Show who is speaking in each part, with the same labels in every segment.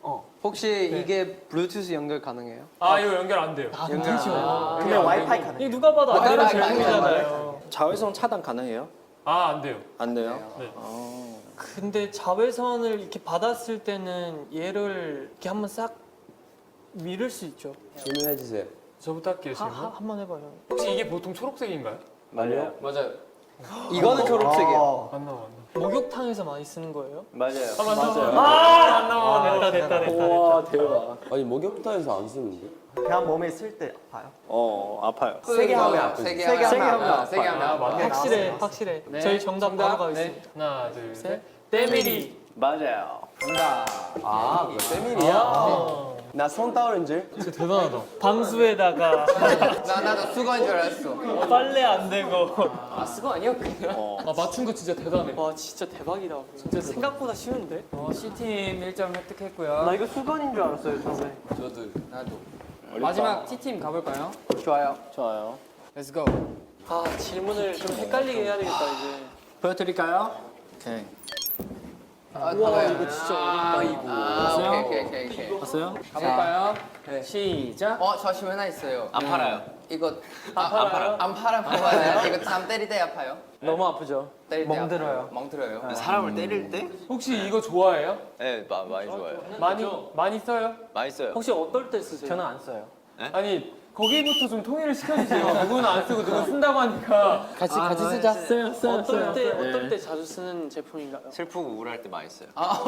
Speaker 1: 혹시 이게 블루투스 연결 가능해요?
Speaker 2: 아 이거 연결 안 돼요.
Speaker 3: 근데 와이파이 가능.
Speaker 4: 이거 누가 봐도 안 되는 질문이잖아요.
Speaker 5: 자외선 차단 가능해요?
Speaker 2: 아 안 돼요.
Speaker 5: 안 돼요?
Speaker 2: 네.
Speaker 4: 근데 자외선을 이렇게 받았을 때는 얘를 이렇게 한번 싹 밀을 수 있죠.
Speaker 6: 질문해 주세요.
Speaker 2: 저부터 할게요 질문.
Speaker 4: 한번 해봐요.
Speaker 2: 혹시 이게 보통 초록색인가요?
Speaker 6: 맞아요?
Speaker 1: 이거는 초록색이에요.
Speaker 2: 맞나 맞나.
Speaker 4: 목욕탕에서 많이 쓰는 거예요?
Speaker 5: 맞아요.
Speaker 2: 아 맞나.
Speaker 4: 됐다.
Speaker 6: 와 대박. 아니 목욕탕에서 안 쓰는데?
Speaker 3: 그냥 몸에 쓸 때 아파요?
Speaker 5: 아파요.
Speaker 6: 세게 하면 아프지.
Speaker 3: 세게 하면
Speaker 2: 세게 하면
Speaker 4: 확실해. 저희 정답 바로 가겠습니다.
Speaker 2: 하나 둘 셋.
Speaker 4: 때밀이.
Speaker 5: 맞아요.
Speaker 6: 아, 그거 세밀이야? 나 손 따오른 줄?
Speaker 2: 진짜 대단하다.
Speaker 4: 방수에다가
Speaker 1: 나도 수건인 줄 알았어.
Speaker 4: 빨래 안 되고.
Speaker 2: 아 맞춘 거 진짜 대단해.
Speaker 4: 와 진짜 대박이다. 진짜 생각보다 쉬운데?
Speaker 7: C팀 1점 획득했고요.
Speaker 1: 나 이거 수건인 줄 알았어요 처음에.
Speaker 7: 나도. 마지막 T팀 가볼까요?
Speaker 1: 좋아요.
Speaker 5: 좋아요.
Speaker 7: Let's go.
Speaker 4: 아 질문을 좀 헷갈리게 해야 되겠다 이제.
Speaker 5: 보여드릴까요? 오케이.
Speaker 1: 와
Speaker 4: 이거 진짜 어렵다.
Speaker 1: 오케이.
Speaker 5: 봤어요?
Speaker 7: 가볼까요? 시작.
Speaker 1: 저 질문 하나 있어요.
Speaker 5: 안 팔아요.
Speaker 1: 이거 안 팔아요. 이거 참 때릴 때 아파요?
Speaker 4: 너무 아프죠?
Speaker 1: 때릴 때
Speaker 3: 멍들어요.
Speaker 1: 멍들어요.
Speaker 5: 사람을 때릴 때?
Speaker 2: 혹시 이거 좋아해요?
Speaker 5: 네, 많이 좋아요.
Speaker 2: 많이 써요?
Speaker 5: 많이 써요.
Speaker 4: 혹시 어떨 때 쓰세요?
Speaker 3: 저는 안 써요.
Speaker 2: 아니 거기부터 좀 통일을 시켜주세요. 누구는 안 쓰고 누구 쓴다고 하니까.
Speaker 7: 같이 쓰자.
Speaker 4: 어떨 때 자주 쓰는 제품인가요?
Speaker 5: 슬프고 우울할 때 많이 써요.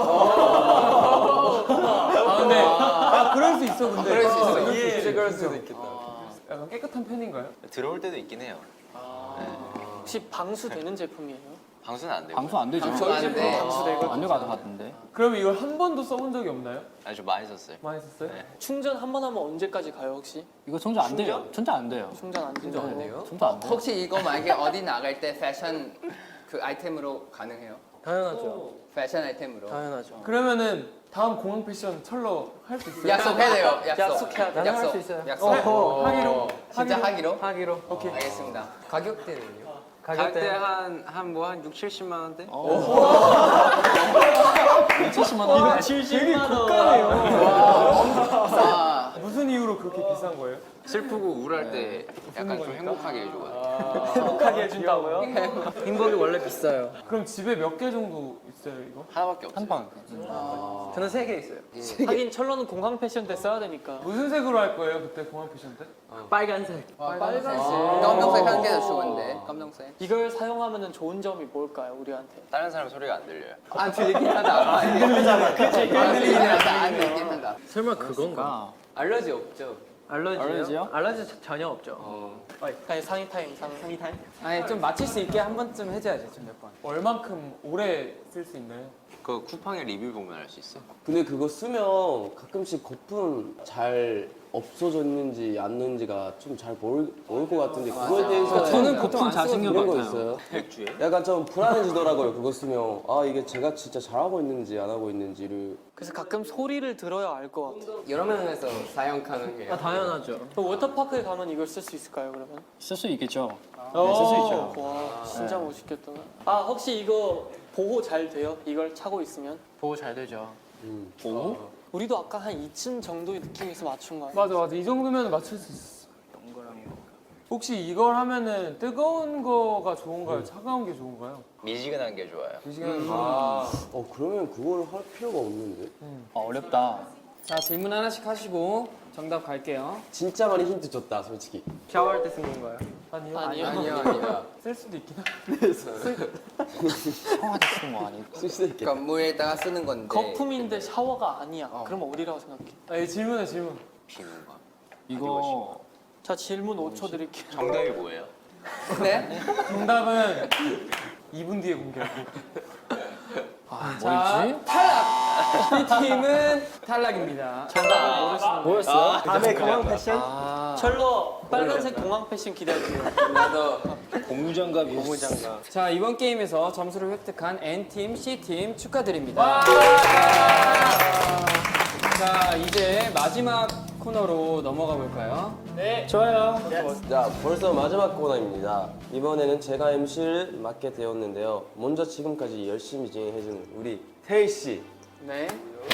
Speaker 2: 근데 그럴 수 있어 근데.
Speaker 1: 그럴 수 있어.
Speaker 2: 진짜 그럴 수도 있겠다. 약간 깨끗한 편인가요?
Speaker 5: 들어올 때도 있긴 해요.
Speaker 4: 혹시 방수 되는 제품이에요?
Speaker 5: 방수는 안 돼요.
Speaker 8: 방수 안 되죠.
Speaker 1: 저희 집도 방수되고.
Speaker 8: 안 될것 같은데.
Speaker 2: 그럼 이걸 한 번도 써본 적이 없나요?
Speaker 5: 아니 좀 많이 썼어요.
Speaker 2: 많이 썼어요?
Speaker 5: 네.
Speaker 4: 충전 한 번 하면 언제까지 가요 혹시?
Speaker 8: 이거 충전 안 돼요. 충전 안 돼요.
Speaker 4: 충전 안 된다고? 안 돼요?
Speaker 8: 충전 안 돼요.
Speaker 1: 혹시 이거 만약에 어디 나갈 때 패션 그 아이템으로 가능해요?
Speaker 4: 당연하죠.
Speaker 1: 패션 아이템으로.
Speaker 4: 당연하죠.
Speaker 2: 그러면 다음 공항 패션 철로 할 수 있어요?
Speaker 1: 약속해야 돼요.
Speaker 4: 약속해야 돼요.
Speaker 1: 약속.
Speaker 3: 할수 있어요.
Speaker 1: 약속.
Speaker 2: 하기로.
Speaker 1: 진짜 하기로?
Speaker 2: 하기로. 오케이.
Speaker 1: 알겠습니다. 가격대는요?
Speaker 3: 가격대
Speaker 1: 한 6, 70만 원대?
Speaker 8: 70만 원.
Speaker 4: 70만 원.
Speaker 1: 아,
Speaker 2: 무슨 이유로 그렇게 비싼 거예요?
Speaker 5: 슬프고 우울할 때 약간 좀 행복하게 해줘가지고.
Speaker 4: 행복하게 해준다고요?
Speaker 3: 행복이 원래 비싸요.
Speaker 2: 그럼 집에 몇 개 정도 있어요 이거?
Speaker 5: 하나밖에 없어요.
Speaker 8: 한 방.
Speaker 3: 저는 3개 있어요.
Speaker 4: 하긴 철로는 공항 패션 때 써야 되니까.
Speaker 2: 무슨 색으로 할 거예요 그때 공항 패션 때?
Speaker 3: 빨간색.
Speaker 4: 빨간색.
Speaker 1: 검정색 한 개도 좋은데. 검정색.
Speaker 4: 이걸 사용하면 좋은 점이 뭘까요 우리한테?
Speaker 5: 다른 사람 소리가 안 들려요.
Speaker 1: 안 들리긴 하다. 안 들리잖아. 그치. 안 들리긴 하다. 안 들리긴 하다.
Speaker 3: 설마 그건가?
Speaker 1: 알러지 없죠?
Speaker 3: 알러지요? 알러지 전혀 없죠.
Speaker 4: 아니 상의 타임.
Speaker 7: 아니 좀 맞힐 수 있게 한 번쯤 해줘야지 좀 몇 번.
Speaker 2: 얼만큼 오래 쓸 수 있나요?
Speaker 5: 그 쿠팡의 리뷰 보면 알 수 있어요.
Speaker 6: 근데 그거 쓰면 가끔씩 거품 잘 없어졌는지 안는지가 좀 잘 모를 것 같은데 그거에 대해서
Speaker 8: 저는 거품 잘 생긴
Speaker 6: 그런
Speaker 8: 것
Speaker 6: 거
Speaker 8: 같아요.
Speaker 6: 있어요?
Speaker 5: 맥주에?
Speaker 6: 약간 좀 불안해지더라고요. 그거 쓰면 아 이게 제가 진짜 잘하고 있는지 안 하고 있는지를.
Speaker 4: 그래서 가끔 소리를 들어야 알 것 같아요.
Speaker 1: 여러 명에서 사용 가능해요.
Speaker 3: 당연하죠.
Speaker 4: 그럼 워터파크에 가면 이걸 쓸 수 있을까요 그러면?
Speaker 8: 쓸 수 있겠죠. 네, 쓸 수 있죠.
Speaker 4: 와 진짜 멋있겠다. 아 혹시 이거 보호 잘 돼요? 이걸 차고 있으면?
Speaker 3: 보호 잘 되죠.
Speaker 8: 오?
Speaker 4: 우리도 아까 한 2층 정도의 느낌에서 맞춘 거 아니에요?
Speaker 2: 맞아 이 정도면 맞출 수 있어. 혹시 이걸 하면은 뜨거운 거가 좋은가요? 차가운 게 좋은가요?
Speaker 5: 미지근한 게 좋아요.
Speaker 2: 이 시간은 아
Speaker 6: 그러면 그걸 할 필요가 없는데.
Speaker 8: 어렵다.
Speaker 7: 자 질문 하나씩 하시고 정답 갈게요.
Speaker 6: 진짜 많이 힌트 줬다 솔직히.
Speaker 3: 샤워할 때 쓰는 거예요.
Speaker 2: 아니요.
Speaker 4: 아니요.
Speaker 1: 아니야.
Speaker 2: 쓸 수도 있긴 하.
Speaker 8: 청와대 쓰는 거 아니고.
Speaker 6: 쓸 수도 있겠다.
Speaker 1: 그러니까 물에다가 쓰는 건데.
Speaker 4: 거품인데 샤워가 아니야. 그럼 어디라고 생각해?
Speaker 2: 아 질문해 질문.
Speaker 5: 비누가.
Speaker 8: 이거
Speaker 4: 자 질문 5초 드릴게요.
Speaker 5: 정답이 뭐예요?
Speaker 1: 네?
Speaker 2: 정답은 2분 뒤에 공개할게요.
Speaker 7: 자 탈락. B팀은 탈락입니다.
Speaker 4: 정답을 모르시는
Speaker 3: 뭐였어요? 다음에 공항 패션?
Speaker 4: 철로 빨간색 공항 패션 기대할게요.
Speaker 1: 나도.
Speaker 5: 고무장갑이
Speaker 3: 고무장갑.
Speaker 7: 자 이번 게임에서 점수를 획득한 N팀, C팀 축하드립니다. 자 이제 마지막 코너로 넘어가 볼까요?
Speaker 4: 네.
Speaker 3: 좋아요.
Speaker 6: 자, 벌써 마지막 코너입니다. 이번에는 제가 MC를 맡게 되었는데요. 먼저 지금까지 열심히 진행해준 우리 태희 씨
Speaker 7: 네.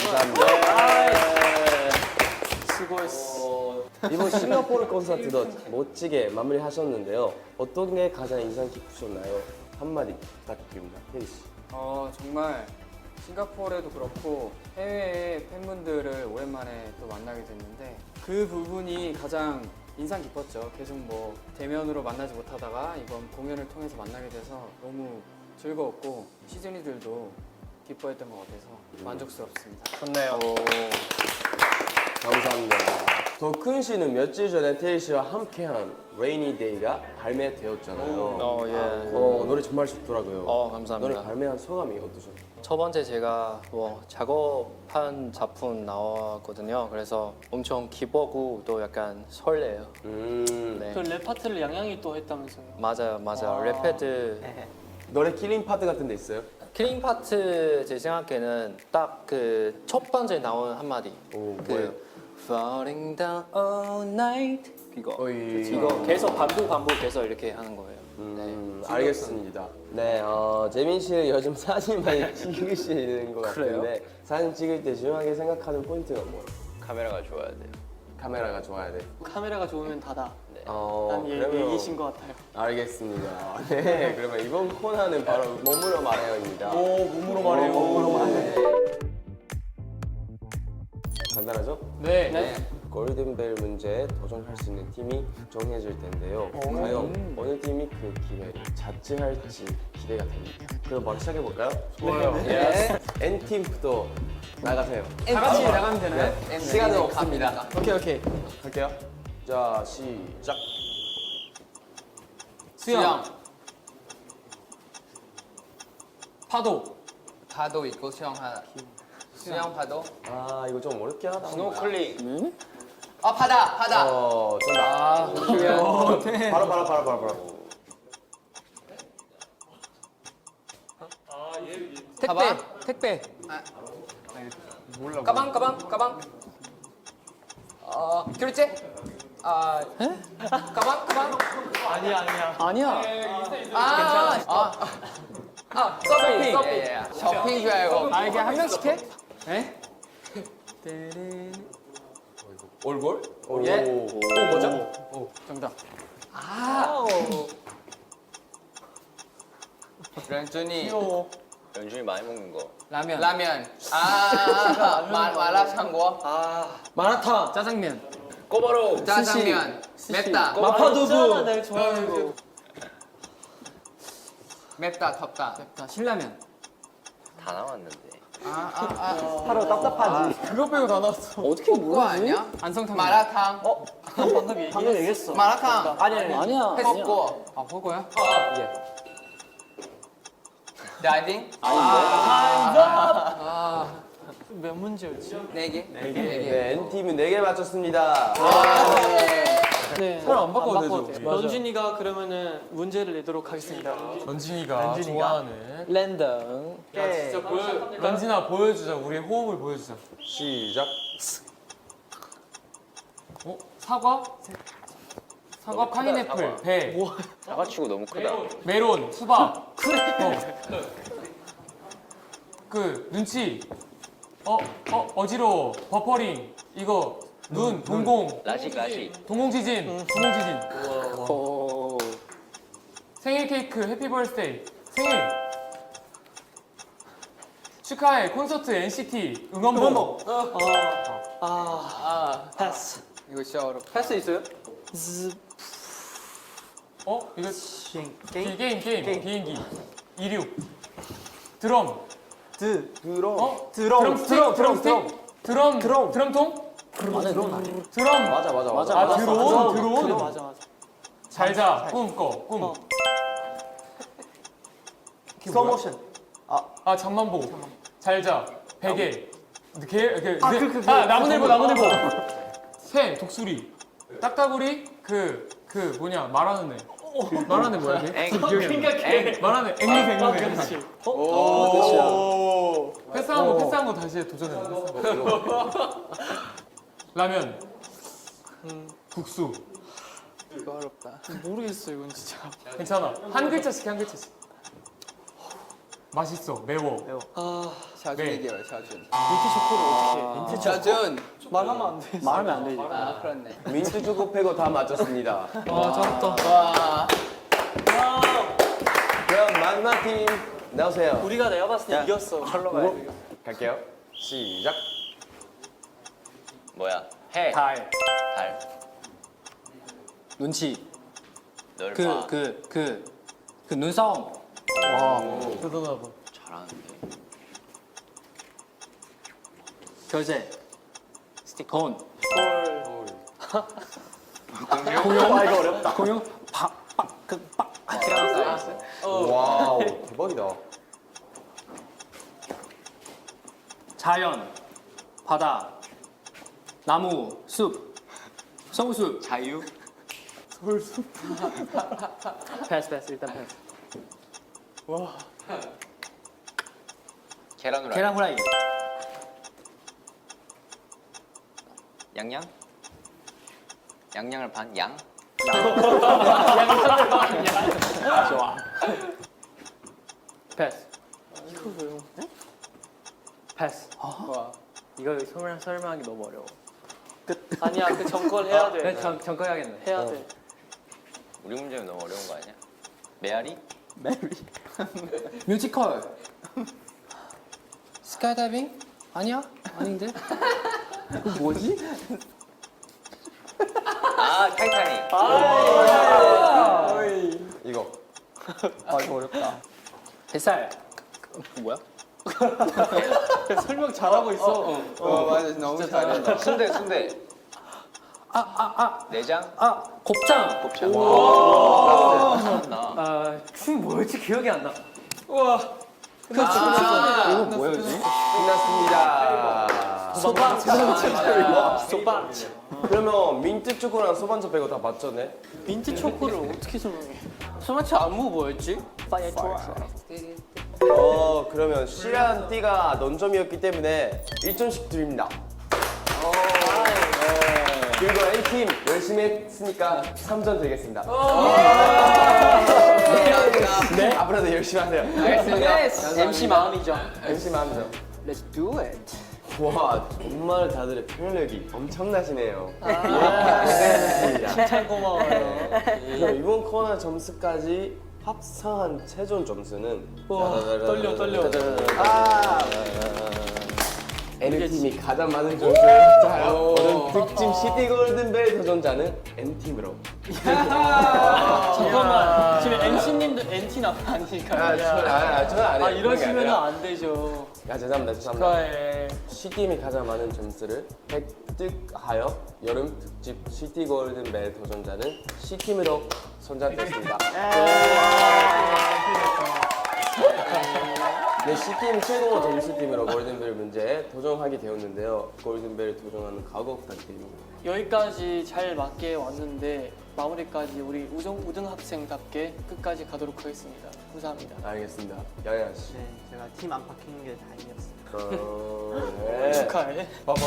Speaker 4: 수고했어.
Speaker 6: 이번 싱가포르 콘서트도 멋지게 마무리하셨는데요. 어떤 게 가장 인상 깊으셨나요? 한마디 부탁드립니다. 태희 씨.
Speaker 7: 정말 싱가포르에도 그렇고 해외의 팬분들을 오랜만에 또 만나게 됐는데 그 부분이 가장 인상 깊었죠. 계속 뭐 대면으로 만나지 못하다가 이번 공연을 통해서 만나게 돼서 너무 즐거웠고 시즈니들도 기뻐했던 것 같아서 만족스럽습니다.
Speaker 3: 좋네요.
Speaker 6: 감사합니다. 더큰 씨는 며칠 전에 태희 씨와 함께한 Rainy Day가 발매되었잖아요.
Speaker 3: 예.
Speaker 6: 노래 정말 좋더라고요.
Speaker 8: 감사합니다.
Speaker 6: 노래 발매한 소감이 어떠셨나요?
Speaker 8: 첫 번째 제가 뭐 작업한 작품 나왔거든요. 그래서 엄청 기쁘고 또 약간 설레요. 네.
Speaker 4: 그 랩 파트를 양양이 또 했다면서요?
Speaker 8: 맞아요. 랩헤드
Speaker 6: 노래 킬링 파트 같은 데 있어요?
Speaker 8: 킬링 파트 제 생각에는 딱 그 첫 번째 나온 한마디.
Speaker 6: 오,
Speaker 8: 그
Speaker 6: 뭐예요?
Speaker 8: Falling down all night 이거.
Speaker 6: 어이.
Speaker 8: 이거 계속 반복해서 이렇게 하는 거예요.
Speaker 6: 알겠습니다. 네, 재민 씨는 요즘 사진 많이 찍으시는 것 같은데 사진 찍을 때 중요하게 생각하는 포인트가 뭐예요?
Speaker 5: 카메라가 좋아야 돼요.
Speaker 6: 카메라가 좋아야 돼.
Speaker 4: 카메라가 좋으면 다다. 난
Speaker 6: 그러면
Speaker 4: 얘기신 것 같아요.
Speaker 6: 알겠습니다. 네, 그러면 이번 코너는 바로 몸으로 말해요입니다.
Speaker 2: 몸으로 말해요.
Speaker 6: 간단하죠?
Speaker 2: 네.
Speaker 6: 골든벨 문제에 도전할 수 있는 팀이 정해질 텐데요. 과연 어느 팀이 그 기회를 자취할지 기대가 됩니다. 그럼 바로 시작해 볼까요?
Speaker 2: 좋아요.
Speaker 6: 네. N팀부터 나가세요.
Speaker 7: 다 같이 나가면 되나요?
Speaker 6: 시간은 없습니다.
Speaker 4: 오케이.
Speaker 6: 갈게요. 자, 시작.
Speaker 7: 수영.
Speaker 2: 파도.
Speaker 1: 파도 있고 수영 하나. 수영 파도.
Speaker 6: 아, 이거 좀 어렵게 하다.
Speaker 5: 스노클링.
Speaker 1: 바다.
Speaker 6: 정답. 바로.
Speaker 7: 택배.
Speaker 1: 가방. 결제. 가방.
Speaker 4: 아니야.
Speaker 1: 서핑. 쇼핑 줄 알고.
Speaker 7: 이게 한 명씩 해?
Speaker 6: 올볼?
Speaker 1: 예.
Speaker 6: 뭐죠?
Speaker 7: 정답.
Speaker 1: 런쥔이
Speaker 5: 연준이 많이 먹는 거.
Speaker 7: 라면.
Speaker 1: 마라샹궈.
Speaker 4: 마라탕.
Speaker 7: 짜장면.
Speaker 5: 꼬바로.
Speaker 1: 짜장면. 맵다.
Speaker 4: 마파두부. 내가 좋아하는 거.
Speaker 1: 맵다 덥다.
Speaker 7: 신라면.
Speaker 5: 다 나왔는데.
Speaker 6: 바로 답답하지.
Speaker 2: 그거 빼고 다 나왔어.
Speaker 1: 어떻게 그거 아니야?
Speaker 7: 안성탕면.
Speaker 1: 마라탕.
Speaker 4: 방금 얘기했어.
Speaker 1: 마라탕.
Speaker 4: 아니야.
Speaker 1: 했고.
Speaker 7: 호거야?
Speaker 1: 다이빙.
Speaker 4: 몇 문제였지?
Speaker 1: 4개.
Speaker 6: 네, N팀은 4개 맞췄습니다.
Speaker 4: 네.
Speaker 2: 사람 안 바꿔도 되죠. 맞아.
Speaker 4: 런쥔이가 그러면은 문제를 내도록 하겠습니다.
Speaker 2: 런쥔이가 좋아하는.
Speaker 3: 랜덤.
Speaker 2: 런쥔아 보여주자. 우리의 호흡을 보여주자.
Speaker 6: 시작.
Speaker 2: 사과, 파인애플, 배,
Speaker 5: 사과치고 너무 크다.
Speaker 2: 메론, 수박. 그 눈치. 어지러워. 버퍼링. 이거 눈, 동공.
Speaker 5: 라식.
Speaker 2: 동공지진. 생일 케이크, 해피 버스데이. 생일. 축하해. 콘서트 NCT 응원봉.
Speaker 4: 패스.
Speaker 1: 이거 진짜 어렵다.
Speaker 3: 패스 있어요?
Speaker 2: 이거 게임. 비행기. 이륙. 드럼. 드럼통. 드럼.
Speaker 6: 맞아.
Speaker 2: 드론.
Speaker 4: 맞아.
Speaker 2: 잘자. 꿈.
Speaker 3: 스톱모션.
Speaker 2: 잠만 보고. 잘자. 베개. 나무늘보. 새. 독수리. 딱따구리. 말하는 애. 말하는 애 뭐야? 말하는 애. 앵무새. 패스한 거 다시 도전해. 라면. 국수.
Speaker 4: 이거 어렵다. 모르겠어 이건 진짜.
Speaker 2: 괜찮아. 한 글자씩. 맛있어. 매워.
Speaker 1: 샤준이게요, 샤준.
Speaker 4: 민트 초코를 어떻게 해?
Speaker 1: 민트 샤준.
Speaker 4: 말하면 안 돼.
Speaker 3: 말하면 안 되지.
Speaker 1: 아, 그렇네.
Speaker 6: 민트 초코 빼고 다 맞췄습니다.
Speaker 4: 와 잘했다.
Speaker 1: 와.
Speaker 6: 그럼 마지막 팀 나오세요.
Speaker 4: 우리가 내가 봤을 때 이겼어. 걸러 가야 돼.
Speaker 6: 갈게요. 시작.
Speaker 5: 뭐야? 해.
Speaker 2: 달.
Speaker 5: 달.
Speaker 8: 눈치.
Speaker 5: 널 봐.
Speaker 8: 그 눈싸움.
Speaker 2: 대단하다.
Speaker 5: 잘하는데.
Speaker 8: 결제. 돈.
Speaker 5: 공룡.
Speaker 8: 아 이거 어렵다. 공룡.
Speaker 6: 와우 대박이다.
Speaker 8: 자연. 바다. 나무. 숲. 성숲.
Speaker 5: 자유.
Speaker 3: 패스 일단 패스.
Speaker 5: 계란 후라이.
Speaker 8: 계란 후라이.
Speaker 5: 양양. 양양을 반 양.
Speaker 8: 좋아.
Speaker 3: 패스.
Speaker 4: 이거 왜요?
Speaker 3: 패스.
Speaker 4: 와.
Speaker 3: 이거 설명하기 너무 어려워.
Speaker 4: 아니야 그 정권 해야 돼.
Speaker 3: 정거 해야겠네.
Speaker 4: 해야 돼.
Speaker 5: 우리 문제는 너무 어려운 거 아니야? 메아리?
Speaker 8: 뮤지컬. 스카이다이빙? 아니야? 아닌데? 뭐지?
Speaker 5: 아 타이타닉.
Speaker 6: 이거
Speaker 8: 뱃살. 뭐야?
Speaker 4: 설명 잘하고 있어.
Speaker 1: 맞아, 너무 잘한다.
Speaker 5: 순대. 내장.
Speaker 8: 곱창.
Speaker 5: 곱창. 잘한다.
Speaker 3: 춤 뭐였지 기억이 안 나.
Speaker 8: 이거 뭐였지?
Speaker 6: 끝났습니다.
Speaker 8: 소방.
Speaker 4: 소방.
Speaker 6: 그러면 민트 초코랑 소반차 빼고 다 맞췄네.
Speaker 4: 민트 초코를 어떻게 설명해?
Speaker 3: 소마치 안무 뭐였지?
Speaker 6: 그러면 실한 띠가 넌점이었기 때문에 1점씩 드립니다. 그리고 A팀 열심히 했으니까 3점 드리겠습니다. 네? 앞으로도 열심히 하세요.
Speaker 1: 알겠습니다.
Speaker 3: MC 마음이죠.
Speaker 6: 열심히 하면서.
Speaker 3: Let's do it.
Speaker 6: 와, 정말 다들 표현력이 엄청나시네요.
Speaker 4: 칭찬 고마워요.
Speaker 6: 그럼 이번 코너 점수까지 합산한 최종 점수는
Speaker 4: 떨려.
Speaker 6: N팀이 가장 많은 점수를 받아요. 특집 시티 골든벨 도전자는 N팀으로.
Speaker 4: 잠깐만 지금 MC님도 NT 아니니까.
Speaker 6: 저는 안 해요.
Speaker 4: 이러시면 안 되죠.
Speaker 6: 죄송합니다.
Speaker 4: 축하해.
Speaker 6: C팀이 가장 많은 점수를 획득하여 여름 특집 시티 골든벨 도전자는 C팀으로 선정됐습니다. 네, C팀 최고 점수팀으로 골든벨 문제에 도전하게 되었는데요. 골든벨 도전하는 각오 부탁드립니다.
Speaker 4: 여기까지 잘 맞게 왔는데 마무리까지 우리 우등 학생답게 끝까지 가도록 하겠습니다. 감사합니다.
Speaker 6: 알겠습니다. 야야 씨.
Speaker 3: 네, 제가 팀 안팎인 게 다행이었어요.
Speaker 6: 네.
Speaker 4: 축하해.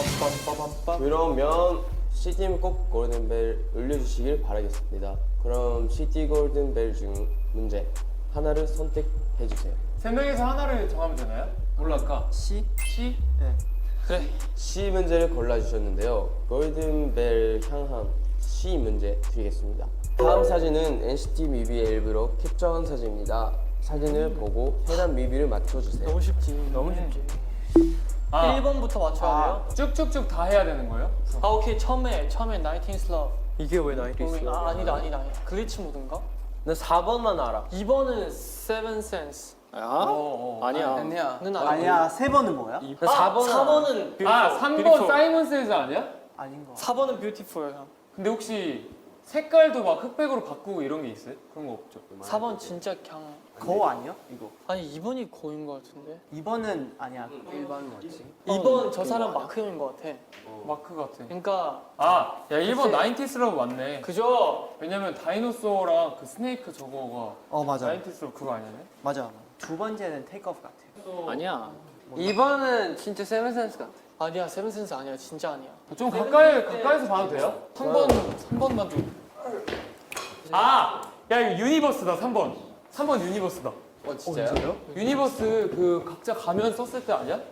Speaker 6: 그러면 C팀 꼭 골든벨 울려주시길 바라겠습니다. 그럼 C팀 골든벨 중 문제 하나를 선택해주세요.
Speaker 2: 세 명에서 하나를 정하면 되나요? 뭘로 할까?
Speaker 3: C?
Speaker 2: C?
Speaker 4: 그래.
Speaker 6: C 문제를 골라주셨는데요. 골든벨 향한 C 문제 드리겠습니다. 다음 사진은 NCT 뮤비의 일부러 캡처한 사진입니다. 사진을 보고 해당 뮤비를 맞춰주세요.
Speaker 4: 너무 쉽지. 너무 쉽지. 1번부터 맞춰야 돼요?
Speaker 2: 쭉쭉쭉 다 해야 되는 거예요?
Speaker 4: 오케이. 처음에 19's Love.
Speaker 3: 이게 왜 나이트 있어?
Speaker 4: 아니다. 글리치 모드인가?
Speaker 3: 나 4번만 알아.
Speaker 4: 2번은 Seven Sense.
Speaker 8: 아니야.
Speaker 1: 아니야.
Speaker 4: 는
Speaker 9: 아니야, 세 번은 뭐야?
Speaker 3: 나 4번은
Speaker 4: 4번은
Speaker 2: 아, 3번 사이먼 세즈 아니야?
Speaker 9: 아닌 거.
Speaker 4: 4번은 Beautiful.
Speaker 2: 근데 혹시 색깔도 막 흑백으로 바꾸고 이런 게 있어요? 그런 거 없죠?
Speaker 4: 4번 진짜 그냥
Speaker 9: 거 아니야? 이거.
Speaker 4: 아니 2번이 고인 것 같은데.
Speaker 9: 2번은 아니야. 1번 뭐지?
Speaker 4: 2번 저 사람 마크형인 것 같아.
Speaker 2: 마크 같아.
Speaker 4: 그러니까
Speaker 2: 아, 야 1번 나인티스러브 맞네.
Speaker 4: 그죠?
Speaker 2: 왜냐면 다이노소어랑 그 스네이크 저거가
Speaker 9: 맞아.
Speaker 2: 나인티스러브 그거 아니네?
Speaker 9: 맞아. 두 번째는 테이크오프 같아.
Speaker 8: 아니야.
Speaker 3: 2번은 진짜 세븐센스 같아.
Speaker 4: 아니야 세븐센스 아니야 진짜 아니야.
Speaker 2: 좀 가까이서 봐도 돼요? 3번만 좀. 아, 야 이거 유니버스다 3번. 3번 유니버스다.
Speaker 1: 진짜요?
Speaker 2: 유니버스 그 각자 가면 썼을 때 아니야?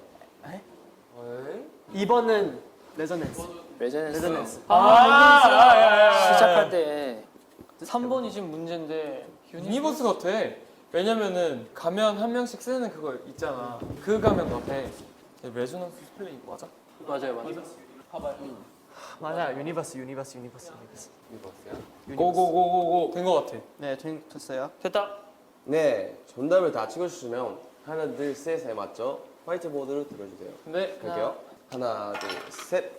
Speaker 9: 2번은 레저넨스.
Speaker 8: 레저넌스
Speaker 2: 아,
Speaker 8: 시작할 때
Speaker 4: 3번이 지금 문제인데
Speaker 2: 유니버스 같아. 왜냐면은 가면 한 명씩 쓰는 그거 있잖아. 그 가면 같아. 레조넌스 스펠링 맞아?
Speaker 3: 맞아요.
Speaker 9: 맞아, 유니버스.
Speaker 2: 고고고고고 된 거 같아.
Speaker 9: 네, 됐어요.
Speaker 4: 됐다.
Speaker 6: 네, 정답을 다 찍어주시면 하나, 둘, 셋에 맞죠? 화이트보드로 들어주세요.
Speaker 2: 근데
Speaker 6: 갈게요. 하나, 둘, 셋.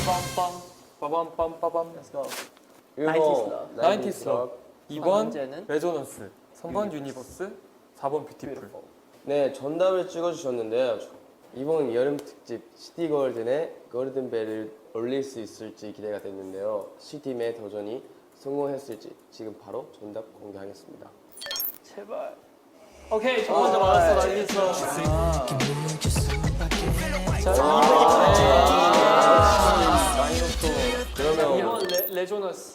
Speaker 2: 빠밤빰빠밤.
Speaker 9: Let's go.
Speaker 6: 1번
Speaker 2: 나인티스 럽. 2번
Speaker 9: 문제는?
Speaker 2: 레조넌스. 3번 유니버스. 4번 뷰티풀.
Speaker 6: 네, 정답을 찍어주셨는데요. 이번 여름 특집 시티걸든의 골든벨을 올릴 수 있을지 기대가 됐는데요. C팀의 도전이 성공했을지 지금 바로 정답 공개하겠습니다.
Speaker 4: 제발. 오케이, 저 먼저 맞았어. 나이스.
Speaker 6: 그러면
Speaker 4: 2번 레조너스.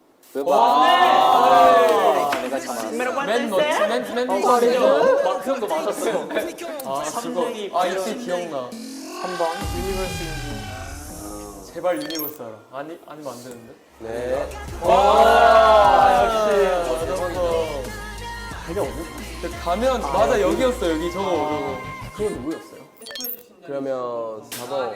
Speaker 8: 내가 잘 알았어.
Speaker 2: 맨 멋지 맨
Speaker 4: 마크형도 맞았어.
Speaker 2: 아,
Speaker 4: 삼등이
Speaker 2: 그거. 아, 이때 기억나.
Speaker 4: 3번 유니버스 인지.
Speaker 2: 제발 유니버스 알아. 아니면 안 되는데.
Speaker 6: 네,
Speaker 2: 역시 맞았어. 가면 맞아 여기였어 여기 저거.
Speaker 6: 그건 누구였어요? 그러면 4번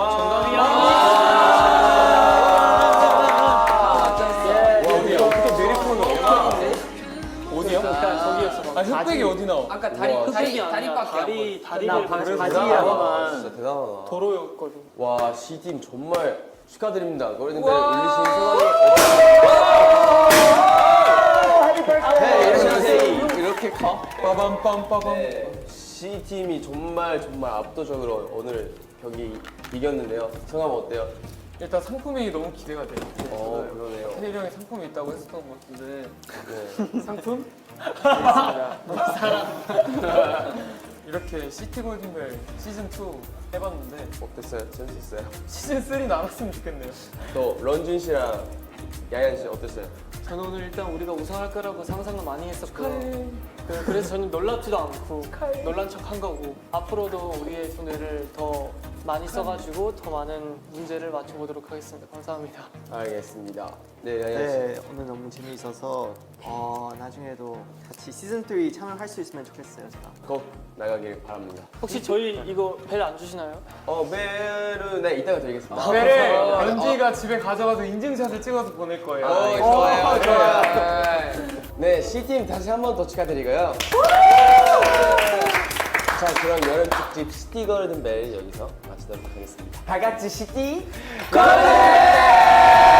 Speaker 2: 어떻게 내리포는 어디야?
Speaker 4: 거기였어.
Speaker 2: 아 흑백이 어디 나와?
Speaker 1: 아까 다리
Speaker 6: 우와,
Speaker 1: 다리
Speaker 4: 아니야.
Speaker 1: 다리밖에 안 보여.
Speaker 4: 다리를
Speaker 6: 대단하다. 진짜 대단하다.
Speaker 4: 도로였거든.
Speaker 6: 와, C팀 정말 축하드립니다. 골든벨 울리신 소감이 이렇게 커?
Speaker 2: 빠밤빰빠밤.
Speaker 6: C팀이 정말 압도적으로 오늘 경기 이겼는데요. 소감 어때요?
Speaker 2: 일단 상품이 너무 기대가 돼.
Speaker 6: 그러네요.
Speaker 2: 태일이 형이 상품이 있다고 했었던 것 같은데
Speaker 6: 네.
Speaker 2: 상품? 이렇게 시티 골든벨 시즌 2 해봤는데
Speaker 6: 어땠어요? 재밌었어요?
Speaker 2: 시즌 3 나왔으면 좋겠네요.
Speaker 6: 또 런쥔 씨랑 야얀 씨 어땠어요?
Speaker 4: 저는 오늘 일단 우리가 우승할 거라고 상상을 많이 했었고 그래서 저는 놀랍지도 않고 놀란 척 한 거고 앞으로도 우리의 두뇌를 더 많이 써가지고 더 많은 문제를 맞춰보도록 하겠습니다. 감사합니다.
Speaker 6: 알겠습니다. 네, 야얀 씨.
Speaker 9: 네, 오늘 너무 재미있어서 나중에도 같이 시즌 3 참여할 수 있으면 좋겠어요, 제가.
Speaker 6: 꼭 나가길 바랍니다.
Speaker 4: 혹시 저희 이거 벨 안 주시나요?
Speaker 6: 벨은 네, 이따가 드리겠습니다.
Speaker 2: 배를 연지가 집에 가져가서 인증샷을 찍어서 보낼 거예요.
Speaker 1: 좋아요.
Speaker 6: 네, C팀 다시 한 번 더 축하드리고요. 자, 그럼 여름 특집 시티 골든벨 여기서 마치도록 하겠습니다.
Speaker 9: 다 같이 시티
Speaker 6: 골든!